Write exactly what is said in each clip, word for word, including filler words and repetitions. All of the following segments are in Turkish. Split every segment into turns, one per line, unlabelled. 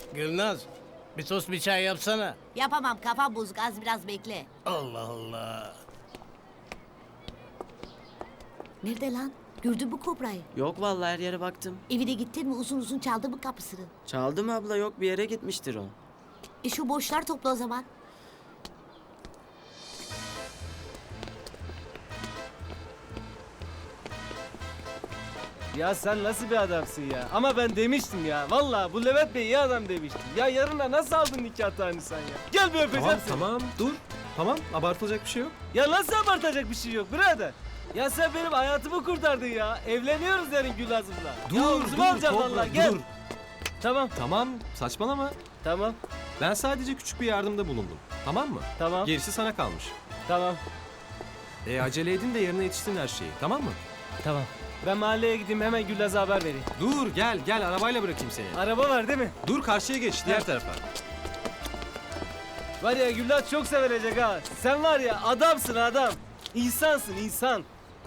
Gülnaz, bir tost bir çay yapsana.
Yapamam, kafam bozuk, az biraz bekle.
Allah Allah.
Nerede lan? Gördün mü kobrayı?
Yok vallahi her yere baktım.
Evine gittin mi, uzun uzun çaldı mı kapısını?
Çaldı mı abla, yok bir yere gitmiştir o.
E şu boşlar topla o zaman.
Ya sen nasıl bir adamsın ya? Ama ben demiştim ya. Vallahi bu Levent Bey iyi adam demiştim. Ya yarına nasıl aldın nikah tarihini sen ya? Gel bir öpeceğim
Tamam
seni.
tamam dur. Tamam abartılacak bir şey yok.
Ya nasıl abartacak bir şey yok birader? Ya sen benim hayatımı kurtardın ya. Evleniyoruz yarın Gülazım'la.
Dur
ya
dur
omzuma alacaksın
Kobra,
vallahi. Gel.
dur.
Tamam
Tamam saçmalama.
tamam
Ben sadece küçük bir yardımda bulundum. Tamam mı?
tamam
Gerisi sana kalmış.
tamam
E acele edin de yarına yetişsin her şeyi. Tamam mı?
tamam. Ben mahalleye gideyim hemen Gülaz'a haber vereyim.
Dur gel gel arabayla bırakayım seni.
Araba var değil mi?
Dur karşıya geç diğer tarafa.
Var ya Gülaz çok sevilecek ha. Sen var ya adamsın adam. İnsansın insan.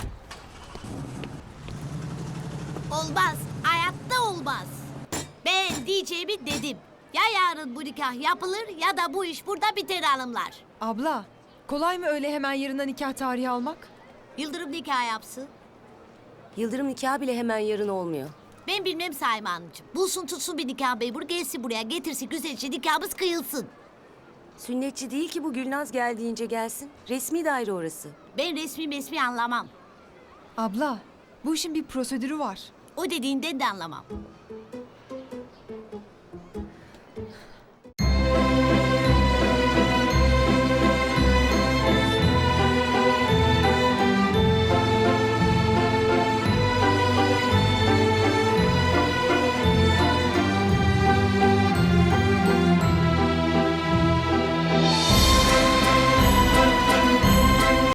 Olmaz, hayatta olmaz. Ben diyeceğimi dedim. Ya yarın bu nikah yapılır ya da bu iş burada biter hanımlar.
Abla, kolay mı öyle hemen yarına nikah tarihi almak?
Yıldırım nikah yapsın.
Yıldırım nikahı bile hemen yarın olmuyor.
Ben bilmem Saime Hanımcığım. Bulsun tutsun bir nikah memuru gelsin buraya getirsin güzelce nikahımız kıyılsın.
Sünnetçi değil ki bu, Gülnaz gel deyince gelsin. Resmi daire orası.
Ben resmi mesmi anlamam.
Abla, bu işin bir prosedürü var.
O dediğinden de anlamam.